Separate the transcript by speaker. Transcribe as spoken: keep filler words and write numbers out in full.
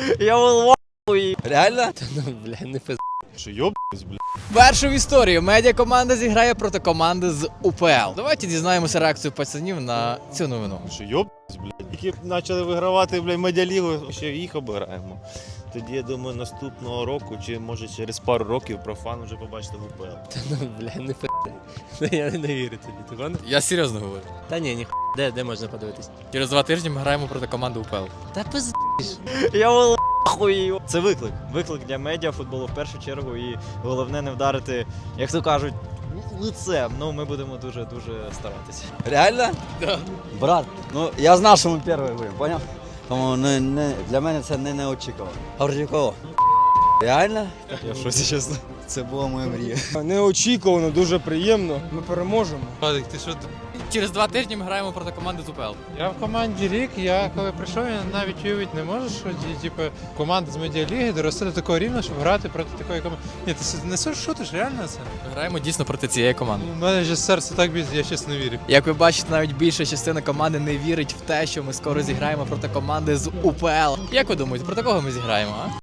Speaker 1: Я волвахуй.
Speaker 2: Реально? Та ну, бля, не пиз...
Speaker 3: Що йобнись, бля?
Speaker 1: Першу в історії медіакоманда зіграє проти команди з УПЛ. Давайте дізнаємося реакцію пацанів на цю новину.
Speaker 3: Що йобнись, бля? Тільки почали вигравати, бля, медіалігу, ще їх обираємо. Тоді, я думаю, наступного року, чи може через пару років профан вже побачите в УПЛ.
Speaker 2: Та ну, бля, не пиз... Я не вірю тобі, ти гониш?
Speaker 1: Я серйозно говорю.
Speaker 2: Та ні, ні, де, де можна подивитись?
Speaker 1: Через два тижні ми граємо проти команди УПЛ.
Speaker 2: Та пиз...
Speaker 1: Я волвахуй.
Speaker 4: Це виклик. Виклик для медіа футболу в першу чергу. І головне не вдарити, як то кажуть, лицем. Ну, ми будемо дуже-дуже старатися.
Speaker 2: Реально?
Speaker 1: Да.
Speaker 5: Брат, ну я знав, що ми перші будемо, поняв? Тому не, не, для мене це не неочікувано. Гордюкова. Реально?
Speaker 4: Я в шоці, чесно.
Speaker 5: Це була моя мрія.
Speaker 6: Неочікувано, дуже приємно. Ми переможемо.
Speaker 3: Вадик, ти що?
Speaker 1: Через два тижні ми граємо проти команди з УПЛ.
Speaker 7: Я в команді рік, я коли прийшов, я навіть уявити не можу, що типу, команда з медіаліги дорости до такого рівня, щоб грати проти такої команди. Ні, ти не шутиш, реально це?
Speaker 1: Ми граємо дійсно проти цієї команди.
Speaker 7: У мене вже серце так б'ється, я чесно не вірю.
Speaker 1: Як ви бачите, навіть більша частина команди не вірить в те, що ми скоро зіграємо проти команди з УПЛ. Як ви думаєте, проти кого ми зіграємо, а?